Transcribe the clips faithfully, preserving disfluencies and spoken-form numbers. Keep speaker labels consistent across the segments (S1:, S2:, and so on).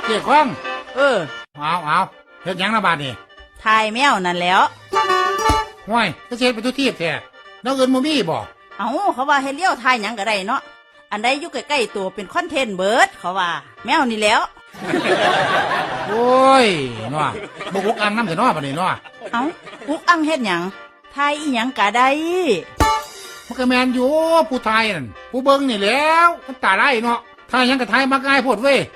S1: เกี่ยข้อง
S2: เออ
S1: เอาเอาเฮ็ดหยังนะบาดนี่
S2: ทายแมวนั่นแล้ว
S1: ห้วยก็เช็ดไปทุกที่แท้แล้วเงินบ่มีบ่
S2: เอ้าเขาว่าให้เลี้ยวทายหยังก็ได้เนาะอันใดอยู่ใกล้ๆตัวเป็นคอนเทนต์เบิร์ดเขาว่าแมวนี่แล้ว
S1: โอ้ยเนาะบ่อุกอังน้ำเถอะเนาะบัดนี้เนาะ
S2: เอ้าอุกอังเฮ็ดหยังทายอีหยังก็ได้
S1: มันก็แม่นอยู่ผู้ทายนั่นผู้เบิ่งนี่แหล้วมันตาไร้เนาะทายหยังก็ทายมักง่ายโพดเว้ย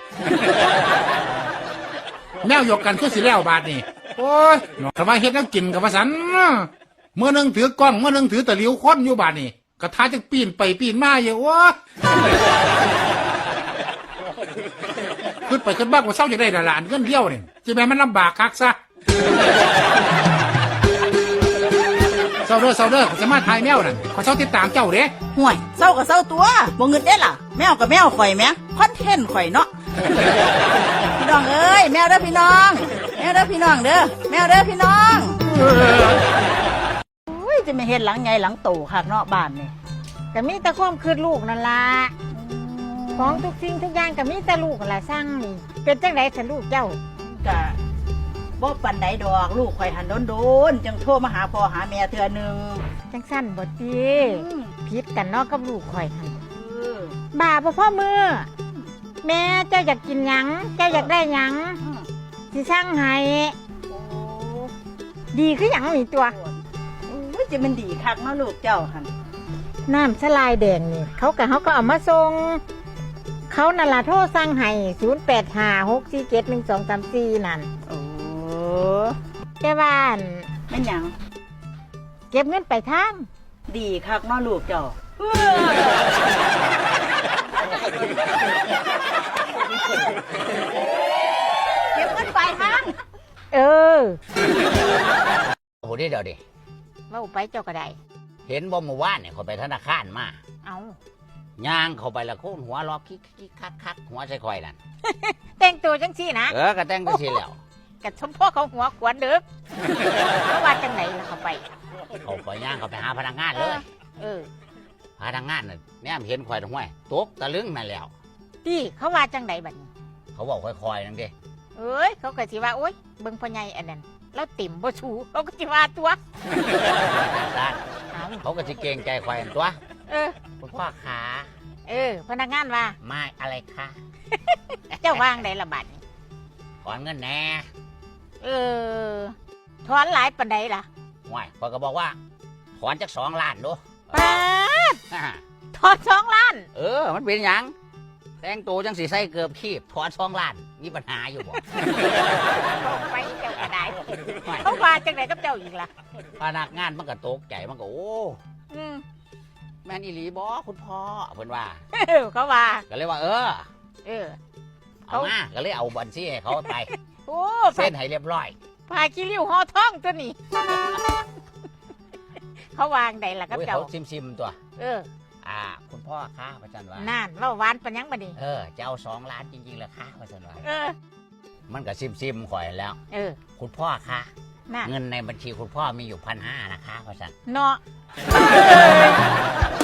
S1: แมวยกกันคือสิแล้วบาดนี่โอ้ยเนาะแต่ว่าเฮ็ดแนวกินกับว่าซั่นเมื่อนึงถือกล้องเมื่อนึงถือตะหลิวค้นอยู่บาดนี่ก็ทายจังปีนไปปีนมาอยู่วะขึ้นไปขึ้นบ้านว่าเศร้าจะได้ดาราเงินเดียวนี่จะแม่มันลำบากคักซะเศร้าเด้อเศร้าเด้อจะมาถ่ายแมวนั่นขอเศร้าติดตามเจ้าเด้
S2: ห่วยเศร้าก็เศร้าตัวบ่เงินได้ล่ะแมวกับแมวข่อยแมวคอนเทนต์ข่อยเนาะพี่น้องเอ้ยแมวเด้อพี่น้องแมวเด้อพี่น้องเด้อแมวเด้อพี่น้องอุ้ยจะไม่เห็นหลังไงหลังโตคักเนาะบ้านนี่
S3: ก็มีแต่ความคืดลูกนั่นล่ะของทุกสิ่งทุกอย่างก็มีแต่ลูกนั่นล่ะสร้างนี่เป็นจังได๋สิลูกเจ้า
S2: ก็บ่ปานใดดอกลูกข่อยหันโดนๆจังโทรมาหาพ่อหาแม่เทื่อนึง
S3: จังซั่นบ่ติผิดกันเนาะกับลูกข่อยหั่น
S2: เออ
S3: บ้าบ่พอมือแม่เจ้าอยากกินหยังเจ้าอยากได้หยังสิสั่งให้
S2: โอ้
S3: ดีคือหยังนี่ตัว
S2: อุ้ยจะมันดีคักเนาะลูกเจ้าหั่น
S3: น้ำสลายแดงนี่เขาก็เขาก็เอามาส่งเขานั่นล่ะโทรสั่งให้ศูนย์ แปด ห้า หก สี่ เจ็ด หนึ่ง สอง สาม สี่นั่น
S2: โอ้
S3: แต่ว่า
S2: แม่นหยัง
S3: เก็บเงินไปทาง
S2: ดีคักเนาะลูกเจ้าเก็บเงินไปทาง
S3: เออ
S4: โอ้โหเดี๋ยวดิ
S3: ว่าไปเจ้าก็ได้
S4: เห็นบ่เมื่อวานเนี่ยเขาไปธนาคารมา
S3: เอา
S4: ย่างเขาไปละโค่นหัวรอคิกคิกคักคักหัวใส่คอยนั่น
S3: แต่งตัวจังซี่นะ
S4: เออก็แต่งก็สิแล้ว
S3: กับชมพ่อเขาหัวขวานเด้อเขาว่าจังไหนล่ะเขาไป
S4: เขาไปย่างเขาไปหาพนักงานเลย
S3: เออ
S4: พนักงานน่ะเนี่ยเห็นคอยตรงห้วยตกตะลึงนั่นแล้ว
S3: พี่เขาว่าจังไหนบัดนี้
S4: เขาบอกค่อยๆนั่นดิ
S3: เอ้ยเขาก็สิว่าโอ๊ยเบิ่งพ่อใหญ่อันนั้นแล้วติ่มบ่ชูเขาก็สิว่าตัว
S4: เขาก็สิเกรงใจคอยตัว
S3: เออ
S4: คุณพ่อขา
S3: เออพนักงานว่า
S4: ไม่อะไรคะ
S3: เจ้าวางได้ละบัดนี้
S4: ถอนเงินแน่
S3: เออถอนหลายปานใดล่ะ
S4: ห่วยคอยก็บอกว่าถอนจากสองล้านดู
S3: ป้าถอนสองล้าน
S4: เออมันเป็นหยังแต่งตัวจังสีใส่เกือบขีบถอนสองล้านมีปัญหาอยู่บ่
S3: ไปเจ้าก็ได้เขาว่าจังไหนกับเจ้าอีกล่ะ
S4: พนักงานมันก็ตกใจมันก็โอ้แม่นอีหลีบอคุณพ่อเพิ่นว่า
S3: เขาว่า
S4: ก็เลยว่าเออ
S3: เออ
S4: เอามาก็เลยเอาบัญชีให้เขาไป
S3: โอ้
S4: เส้นให้เรียบร้อย
S3: พาขี้ริ้วห่อท้องตัวนี้เขาวางได้ล่ะกับเจ้า
S4: เขาซิมๆตัว
S3: เออ
S4: อ่าคุณพ่อค้าพระจันทร์ว่า
S3: นั่นว่าหวานปัญญังบัดนี้
S4: เออจะเอาสองล้านจริงๆเหรอคะพระจันทร์ว่า
S3: เออ
S4: มันก็ซิมๆข่อยแล้ว
S3: เออ
S4: คุณพ่อคะเงินในบัญชีคุณพ่อมีอยู่พันห้านะคะพระจันทร์
S3: เนาะ